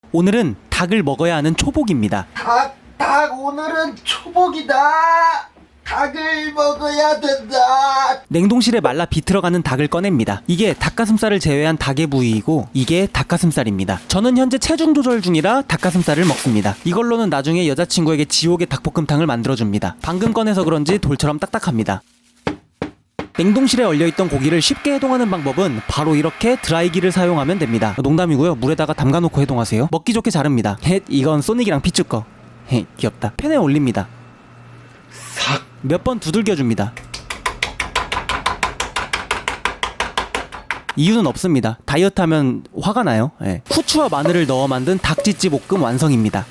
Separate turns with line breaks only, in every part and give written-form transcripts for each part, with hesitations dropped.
오늘은 닭을 먹어야 하는 초복입니다.
닭 오늘은 초복이다. 닭을 먹어야 된다.
냉동실에 말라 비틀어가는 닭을 꺼냅니다. 이게 닭가슴살을 제외한 닭의 부위이고 이게 닭가슴살입니다. 저는 현재 체중 조절 중이라 닭가슴살을 먹습니다. 이걸로는 나중에 여자친구에게 지옥의 닭볶음탕을 만들어줍니다. 방금 꺼내서 그런지 돌처럼 딱딱합니다. 냉동실에 얼려있던 고기를 쉽게 해동하는 방법은 바로 이렇게 드라이기를 사용하면 됩니다. 농담이고요. 물에다가 담가놓고 해동하세요. 먹기 좋게 자릅니다. 헷, 이건 소닉이랑 피쭈 거. 헤, 귀엽다. 팬에 올립니다. 몇 번 두들겨줍니다. 이유는 없습니다. 다이어트하면 화가 나요. 예. 후추와 마늘을 넣어 만든 닭찌찌 볶음 완성입니다.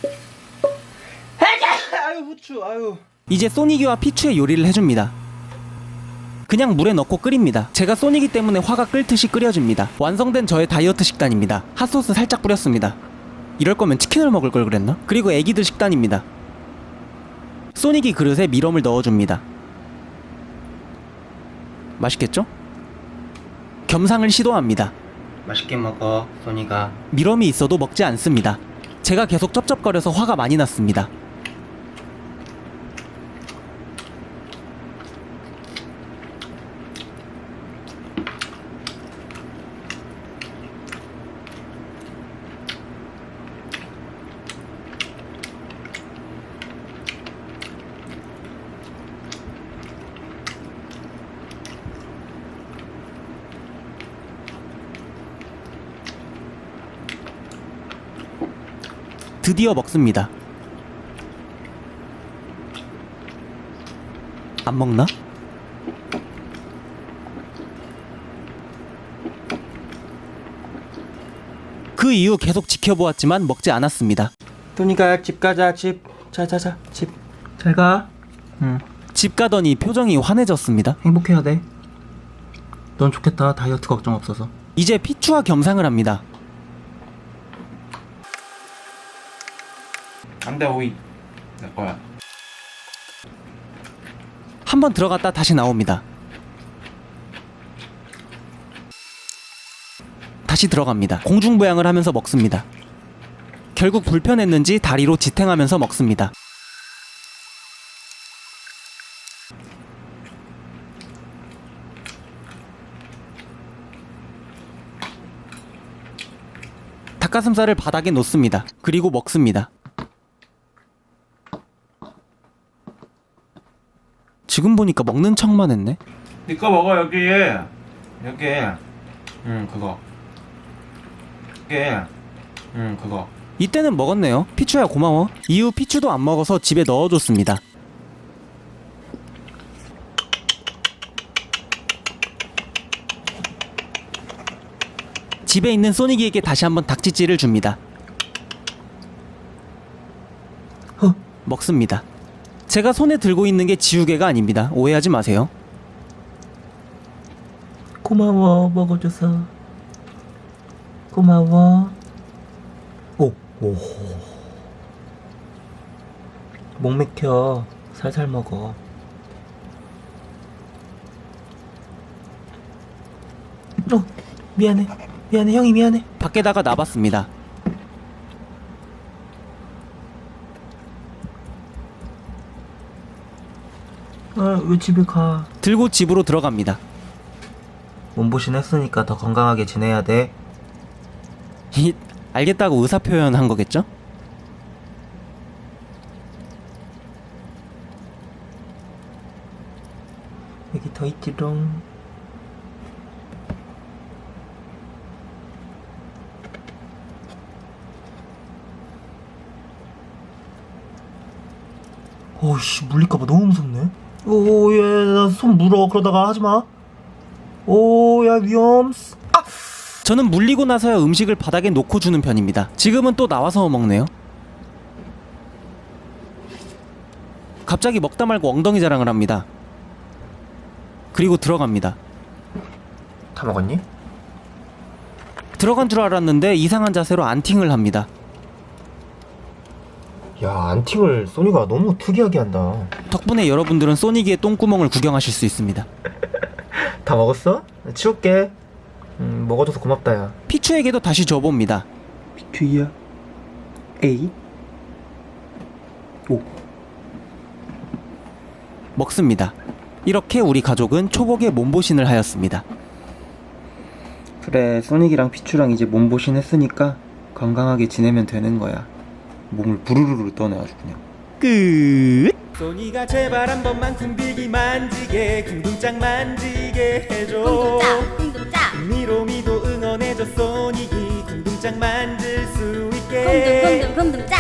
아유 후추 아유.
이제 소니기와 피추의 요리를 해줍니다. 그냥 물에 넣고 끓입니다. 제가 소니기 때문에 화가 끓듯이 끓여줍니다. 완성된 저의 다이어트 식단입니다. 핫소스 살짝 뿌렸습니다. 이럴 거면 치킨을 먹을 걸 그랬나? 그리고 애기들 식단입니다. 소니기 그릇에 미럼을 넣어줍니다. 맛있겠죠? 겸상을 시도합니다.
맛있게 먹어 소니가.
미럼이 있어도 먹지 않습니다. 제가 계속 쩝쩝거려서 화가 많이 났습니다. 드디어 먹습니다. 안 먹나? 그 이후 계속 지켜보았지만 먹지 않았습니다.
소니가 집 가자. 집. 자자자 집. 잘 가. 응.
집 가더니 표정이 환해졌습니다.
행복해야 돼. 넌 좋겠다. 다이어트 걱정 없어서.
이제 피추와 겸상을 합니다.
안돼 오이. 내 거야.
한번 들어갔다 다시 나옵니다. 다시 들어갑니다. 공중부양을 하면서 먹습니다. 결국 불편했는지 다리로 지탱하면서 먹습니다. 닭가슴살을 바닥에 놓습니다. 그리고 먹습니다. 지금 보니까 먹는 척만 했네.
니꺼 먹어 여기. 여기. 응 그거. 여기. 응 그거.
이때는 먹었네요. 피추야 고마워. 이후 피추도 안 먹어서 집에 넣어줬습니다. 집에 있는 소니기에게 다시 한번 닭찌찌를 줍니다. 먹습니다. 제가 손에 들고 있는 게 지우개가 아닙니다. 오해하지 마세요.
고마워 먹어줘서. 고마워. 오. 목 맥혀. 살살 먹어. 미안해 형이 미안해.
밖에다가 놔봤습니다.
왜 집에 가?
들고 집으로 들어갑니다.
몸보신 했으니까 더 건강하게 지내야 돼.
알겠다고 의사표현한 거겠죠?
여기 더 있지롱. 오씨 물릴까봐 너무 무섭네. 오야 나 손 물어. 그러다가 하지마. 오야 위험.
저는 물리고 나서야 음식을 바닥에 놓고 주는 편입니다. 지금은 또 나와서 먹네요. 갑자기 먹다 말고 엉덩이 자랑을 합니다. 그리고 들어갑니다.
다 먹었니?
들어간 줄 알았는데 이상한 자세로 안팅을 합니다.
야 안팅을 소니가 너무 특이하게 한다.
덕분에 여러분들은 소니기의 똥구멍을 구경하실 수 있습니다.
다 먹었어? 치울게. 먹어줘서 고맙다 야.
피추에게도 다시 줘봅니다.
피투이야.
에이. 오. 먹습니다. 이렇게 우리 가족은 초복에 몸보신을 하였습니다. 그래, 소닉이랑 피추랑 이제 몸보신 했으니까 건강하게 지내면 되는 거야. 몸을 부르르르 떠내 아주 그냥. 끝. 소니가 제발 한 번만 궁비기 만지게 궁둥짝 만지게 해줘.
궁둥짝 궁둥짝
미로미도 응원해줘. 소닉이 궁둥짝 만질 수 있게.
궁둥짝